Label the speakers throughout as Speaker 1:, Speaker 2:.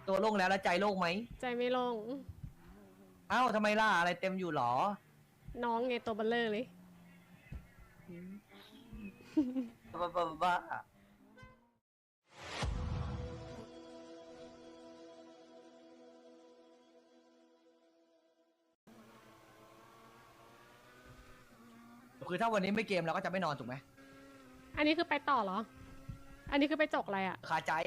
Speaker 1: ตัวโล่งแล้วใจโล่งไหม
Speaker 2: ใจไม่ลง
Speaker 1: เอ้าทำไมล่ะอะไรเต็มอยู่หรอ
Speaker 2: น้องไงตัวเบลเลอร์เลย
Speaker 1: บ้าคือถ้าวันนี้ไม่เกมเราก็จะไม่นอนถูกไหม
Speaker 2: อันนี้คือไปต่อเหรอ อันนี้คือไปจกอะไรอะ
Speaker 1: คาใจ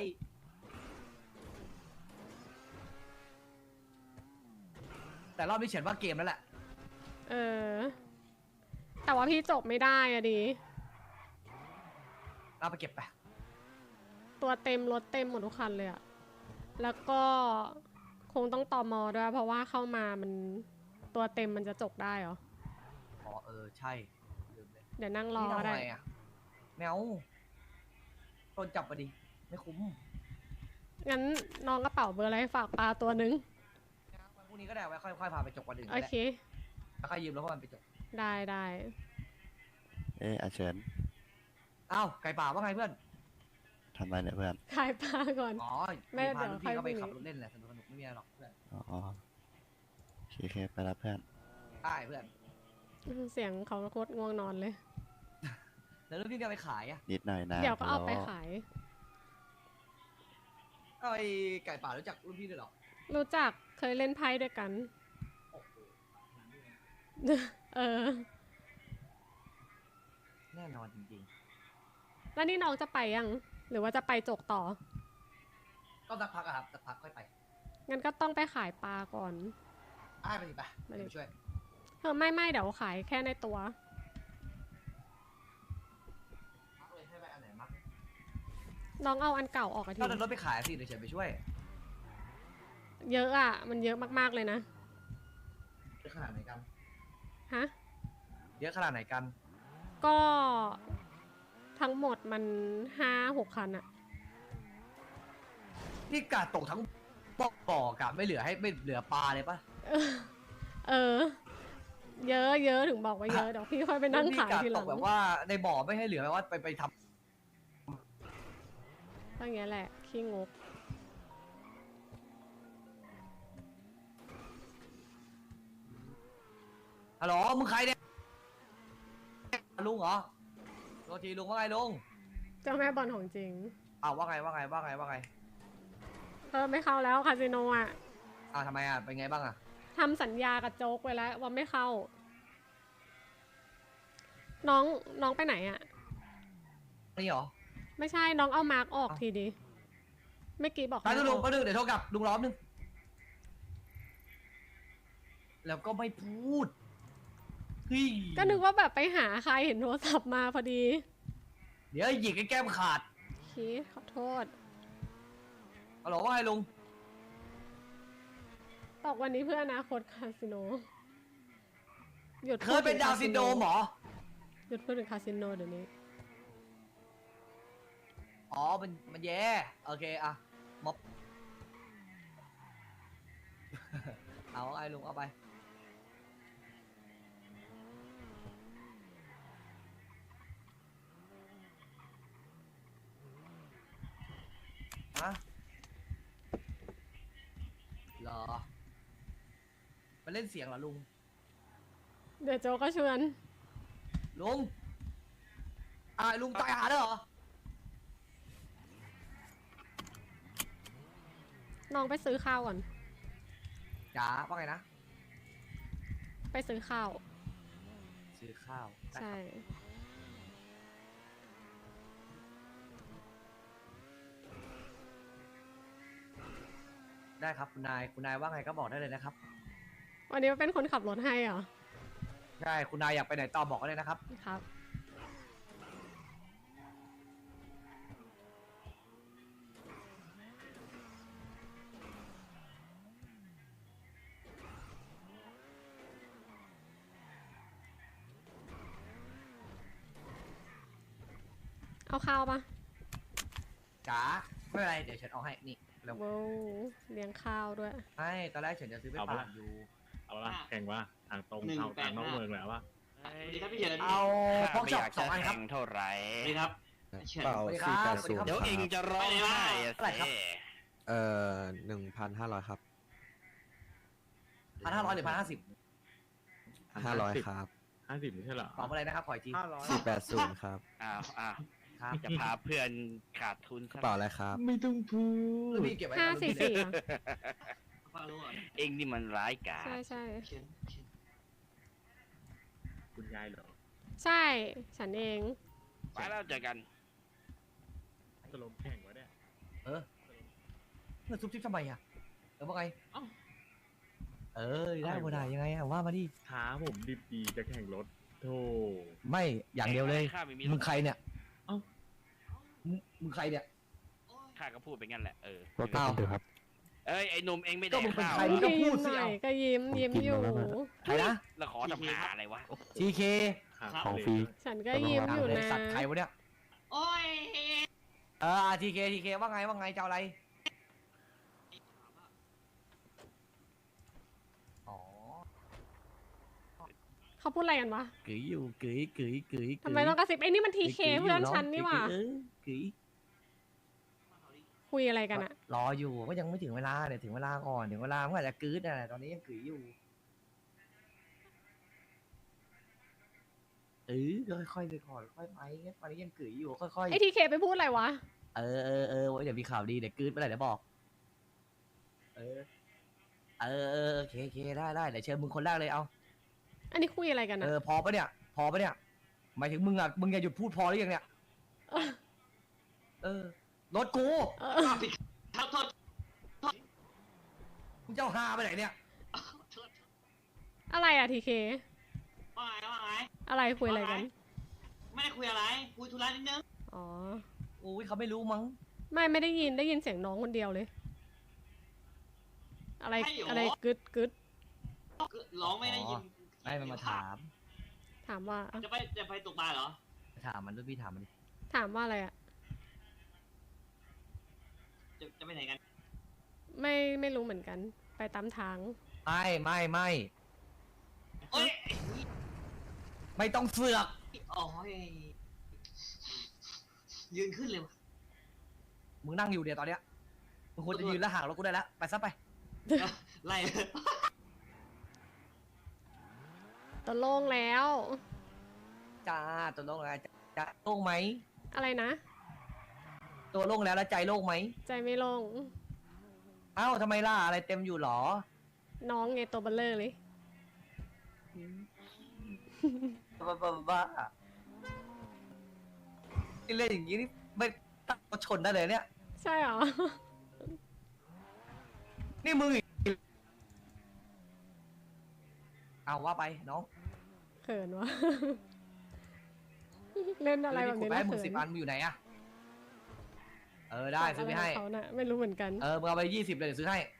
Speaker 1: แต่รอบนี้เขียนว่าเกมแล้วแหละ
Speaker 2: เออ แต่ว่าพี่จกไม่ได้อะดิ
Speaker 1: เอาไปเก็บไป
Speaker 2: ตัวเต็มรถเต็มหมดทุกคันเลยอะแล้วก็คงต้องตอมอด้วย เพราะว่าเข้ามามันตัวเต็มมันจะจกได้เหรอ
Speaker 1: อ๋อใช่ลืมเลย
Speaker 2: เดี๋ยวนั่งรอ
Speaker 1: นี่ทำ
Speaker 2: ได้
Speaker 1: ไงอ่ะแมวโดนจับมาดิไม่คุ้ม
Speaker 2: งั้นน้องกระเป๋าเบอร์อะไรฝากปลาตัวนึง
Speaker 1: พรุ่งนี้ก็ได้ไว้ค่อยๆพาไปจกวันอื่น
Speaker 2: โอ
Speaker 1: ก็ได้
Speaker 2: เค
Speaker 1: แล้วค่อยยืมแล้วก็มันไปจก
Speaker 2: ได้
Speaker 3: อาเฉิน
Speaker 1: อ้าวไก่ป่าว่าไงเพื่อน
Speaker 3: ทำอะไรเนี่ยเพื่อน
Speaker 2: ขายปลาก่อน
Speaker 1: อ๋อ
Speaker 2: ไม่
Speaker 1: พารุ่นพี่
Speaker 2: เดี๋ยว
Speaker 1: เขาไป
Speaker 2: ค่อย
Speaker 1: ขับรถเล่นแหละสนุกไม่มีอะไรหรอกเพื่อน
Speaker 3: อ๋อโอเคไปแล้วเพื่อน
Speaker 1: ได้เพื่อน
Speaker 2: เสียงเขาโคตรง่วงนอนเลย
Speaker 1: แล้วรุ่นพี่ก็ไปขายอ่ะ
Speaker 3: นิดหน่อยนะ
Speaker 2: เดี๋ยวก็เอาไปขาย
Speaker 1: เอาไอ้ไก่ป่ารู้จักรุ่นพี่ด้วยเหรอ
Speaker 2: รู้จักเคยเล่นไพ่ด้วยกัน
Speaker 1: โอ้โห
Speaker 2: เออ
Speaker 1: แน่นอนจริง
Speaker 2: แล้วนี่น้องจะไปยัง หรือว่าจะไปจกต่อ
Speaker 1: ๆก็สักพักอะครับสักพักค่อยไป
Speaker 2: งั้นก็ต้องไปขายปลาก่อน
Speaker 1: ได้ไปสิไป
Speaker 2: ไปดิ
Speaker 1: เดี๋ยวช่วย
Speaker 2: ไม่เดี๋ยวขายแค่ในตัว
Speaker 1: มักเลยให้ไปอันไหนมัก
Speaker 2: น้องเอาอันเก่าออกอะที
Speaker 1: ก็เดินรถไปขายสิเดี๋ยวเฉยไปช่วย
Speaker 2: เยอะอะมันเยอะมากๆเลยนะ
Speaker 1: เยอะขนาดไหนกัน
Speaker 2: ฮะ
Speaker 1: เยอะขนาดไหนกัน
Speaker 2: ก็ทั้งหมดมัน5-6 คันอะ
Speaker 1: นี่กาดตกทั้งบ่อกะไม่เหลือให้ไม่เหลือปลาเลยปะ
Speaker 2: เออ เยอะถึงบอกว่าเยอะ เดี๋ยวพี่ค่อยไปนั่งขาย
Speaker 1: กาด
Speaker 2: ทีห
Speaker 1: ต
Speaker 2: ลั
Speaker 1: ก
Speaker 2: ง
Speaker 1: แบบว่าในบ่อไม่ให้เหลือแบบว่าไปท
Speaker 2: ก็อย่างเงี้ยแหละ ขี้งก
Speaker 1: ำฮัลโหลมึงใครเนี่ยลุงเหรอโทษทีลุงว่าไงลุง
Speaker 2: เจ้าแม่บอลของจริง
Speaker 1: อ้าวว่าไง
Speaker 2: ไม่เข้าแล้วคาสิโนอะ
Speaker 1: อ้าวทำไมอ่ะเป็นไงบ้างอ่ะ
Speaker 2: ทำสัญญากับโจ๊กไว้แล้วว่าไม่เข้า น้องไปไหนอะ
Speaker 1: นี่เหรอ
Speaker 2: ไม่ใช่น้องเอามาร์กออกทีดีเมื่อกี้บอก
Speaker 1: ไปลุง
Speaker 2: ให้
Speaker 1: ก็นึงเดี๋ยวโทรกลับลุงล้อมนึงแล้วก็ไม่พูดเฮ้ย
Speaker 2: ก็นึกว่าแบบไปหาใครเห็นโทรศัพท์มาพอดี
Speaker 1: เดี๋ยวหยิกไอ้แก้มขาด
Speaker 2: ชี้ขอโทษ
Speaker 1: ฮัลโหลว่าไงลุง
Speaker 2: ตอกวันนี้เพื่ออนาคตคาสิโนหยุด
Speaker 1: เคยเป็นดาวน์ซินโดรมเหรอ
Speaker 2: หยุดพูดถึงคาสิโนเดี๋ยวนี้
Speaker 1: อ๋อมันแย่โอเคอะม็อบ เอาไอ้ลุงเอาไปฮะเหรอไปเล่นเสียงเหรอลุง
Speaker 2: เดี๋ยวโจก็ชวน
Speaker 1: ลุงลุงตายหาแล้วเหรอ
Speaker 2: น้องไปซื้อข้าวก่อน
Speaker 1: จ๋าว่าไงนะ
Speaker 2: ไปซื้อข้าว
Speaker 1: ซื้อข้าว
Speaker 2: ใช่
Speaker 1: ได้ครับคุณนายว่าไงก็บอกได้เลยนะครับ
Speaker 2: วันนี้เป็นคนขับรถให้เหรอ
Speaker 1: ใช่คุณนายอยากไปไหนต่อบอกก็เลยนะครับ
Speaker 2: ครับ เอาข้าวปะ
Speaker 1: จ๋าไม่เป็นไรเดี๋ยวฉันเอาให้นี่แล้ว
Speaker 2: ว้าวเลี้ยงข้าวด้วย
Speaker 1: ให้ตอนแรกฉันจะซื้อไป
Speaker 4: เอา
Speaker 1: ฝา
Speaker 4: ปะ
Speaker 1: กอยู่
Speaker 4: เอาละแข่งว่าทางตรง
Speaker 5: 185
Speaker 4: เอาทางนอกเมืองแหละวะ
Speaker 5: สวัสดีครับพี่เฉิน
Speaker 1: เอาพอกช็อป2 อันครับ
Speaker 3: เท่าไหร่
Speaker 5: สวัสดีครับเฉิน
Speaker 3: เป่า
Speaker 1: สวัสดีครับ
Speaker 3: 480
Speaker 1: สวัสดีครับ
Speaker 3: เดี๋ยวเองจะร้องไห้อะ
Speaker 1: เท่าไหร่ครับ
Speaker 3: สิ
Speaker 5: 1,500 ครับ
Speaker 1: 1,500หรือ1,550
Speaker 5: 500 ครับ
Speaker 4: 50ไม่ใช่เหรอ
Speaker 1: ตอบอะไรนะครับขออีกที
Speaker 5: 480 ครับ
Speaker 6: อ้าว
Speaker 1: ครับ
Speaker 6: จะพาเพื่อนขาดทุน
Speaker 5: กระเป๋าอะไรครับ
Speaker 4: ไม่ต้องพู
Speaker 1: รุ่น
Speaker 4: ด
Speaker 1: พี่เก็บไว้
Speaker 2: 544อะ
Speaker 6: เองนี่มันร้ายกาจ
Speaker 2: ใช่ใช่
Speaker 4: คุณยายเหรอ
Speaker 2: ใช่ ฉันเอง
Speaker 6: ไปแล้วเจอกัน
Speaker 4: จะลงแข่งวะเนี่ย
Speaker 1: เงินซุบซิบทำไมอ่ะว่าไง
Speaker 4: เอ้า
Speaker 1: ได้บ่ได้ยังไงอ่ะว่ามาดิ
Speaker 4: ท้าผมดิบดีจะแข่งรถโธ่
Speaker 1: ไม่อย่างเดียวเลย
Speaker 6: ข้าไม่มี
Speaker 1: มึงใครเนี่ย
Speaker 4: เอ้า
Speaker 1: มึงใครเนี่ย
Speaker 6: ข้าก็พูดไปงั้นแหละ
Speaker 5: รถกระป๋องเถอะครับ
Speaker 6: เอ้ยไอ้หนุ่มเองไม่
Speaker 1: ก็
Speaker 6: ได้
Speaker 1: มึงเป็น
Speaker 6: ข้าว
Speaker 1: ใคร มึงก็พูดสิ
Speaker 2: หน่
Speaker 1: เอา
Speaker 2: อยก็ยิ้มอยู่
Speaker 1: ใครนะ
Speaker 6: แล้วขอทำหาอะไรวะ
Speaker 1: TK
Speaker 5: ของฟรี
Speaker 2: ฉันก็ยิ้มอยู่นะ
Speaker 1: สัตว์ใครวะเนี่ย
Speaker 6: โอ้ย
Speaker 1: TK ว่าไงจะเอาอะไรอ๋อ
Speaker 2: เขาพูดอะไรกันวะ
Speaker 1: กึ๋ยอยู่กึ๋ย
Speaker 2: ทำไมต้องกระซิบไอ้นี่มันทีเคเพื่อนฉันนี่หว่า
Speaker 1: กึ๋ย
Speaker 2: คุยอะไรกันอะ
Speaker 1: รออยู่ก็ยังไม่ถึงเวลาเดี๋ยวถึงเวลาก่อนถึงเวลามันอาจจะกึ๋ยแต่ตอนนี้ยังกึ๋ยอยู่ค่อยๆไปก่อนค่อยไปตอนนี้ยังกึ๋ยอยู่ค่อย
Speaker 2: ไอ้ทีเคไปพูดอะไรวะ
Speaker 1: ๆเดี๋ยวมีข่าวดีเดี๋ยวกึ๋ยไปไหนเดี๋ยวบอกโอเคได้เดี๋ยวเชิญมึงคนแรกเลยเอา
Speaker 2: อันนี้คุยอะไรกันอะ
Speaker 1: พอปะเนี่ยหมายถึงมึงอ่ะมึงอย่าหยุดพูดพอหรือยังเนี่ยรถกู
Speaker 2: เออ
Speaker 1: มึงจะเอาฮาไปไหนเนี่ย
Speaker 2: อะไรอะทีเค
Speaker 7: ว่าไง
Speaker 2: อะไรคุยอะไรกัน
Speaker 7: ไม่ได้คุยอะไร คุยธุระนิดนึง
Speaker 2: อ๋อ
Speaker 1: อุ้ยเขาไม่รู้มั้ง
Speaker 2: ไม่ได้ยินเสียงน้องคนเดียวเลย อะไรกึด
Speaker 7: ร้องไม่ได้ยิน
Speaker 1: ให้มันมาถาม
Speaker 2: ถามว่า
Speaker 7: จะไปตกปลาเหรอ
Speaker 1: ถามมันด้วยพี่ถามมันดิ
Speaker 2: ถามว่าอะไรอะ
Speaker 7: จะไปไหนกัน
Speaker 2: ไม่รู้เหมือนกัน ไปตามทาง
Speaker 1: ไม่
Speaker 7: โอ้ย
Speaker 1: ไม่ต้องเสือก
Speaker 7: โอ้ยยืนขึ้นเลยวะ
Speaker 1: มึงนั่งอยู่เดี๋ยวตอนเนี้ยมึงควรจะยืนแล้วห่างรถกูได้แล้วไปซะไป
Speaker 7: ไล่
Speaker 2: ตัวโล่งแล้ว
Speaker 1: จ้าตัวโล่งแล้วจะโล่งไหม
Speaker 2: อะไรนะ
Speaker 1: ตัวโล่งแล้วแล้วใจโล่งไหม
Speaker 2: ใจไม่โล่ง
Speaker 1: เอ้าทำไมล่ะอะไรเต็มอยู่หรอ
Speaker 2: น้องไงตัวเบลเลอร์เลย
Speaker 1: บ้าที่เล่นอย่างนี้นี่ไม่ตั้งรถชนได้เลยเนี่ย
Speaker 2: ใช่เหรอ
Speaker 1: นี่มึงอีกเอาว่าไปน้อง
Speaker 2: เขินวะ เล่นอะไรแบบ
Speaker 1: กู
Speaker 2: นี้
Speaker 1: ไป
Speaker 2: แล้ว
Speaker 1: ให้มึง
Speaker 2: เขิน
Speaker 1: 10 อันมึงอยู่ไหนอะได้ซื้อไปให้
Speaker 2: เขาน่ะไม่รู้เหมือนกัน
Speaker 1: มึงเอาไป20เลยเดี๋ยวซื้อให้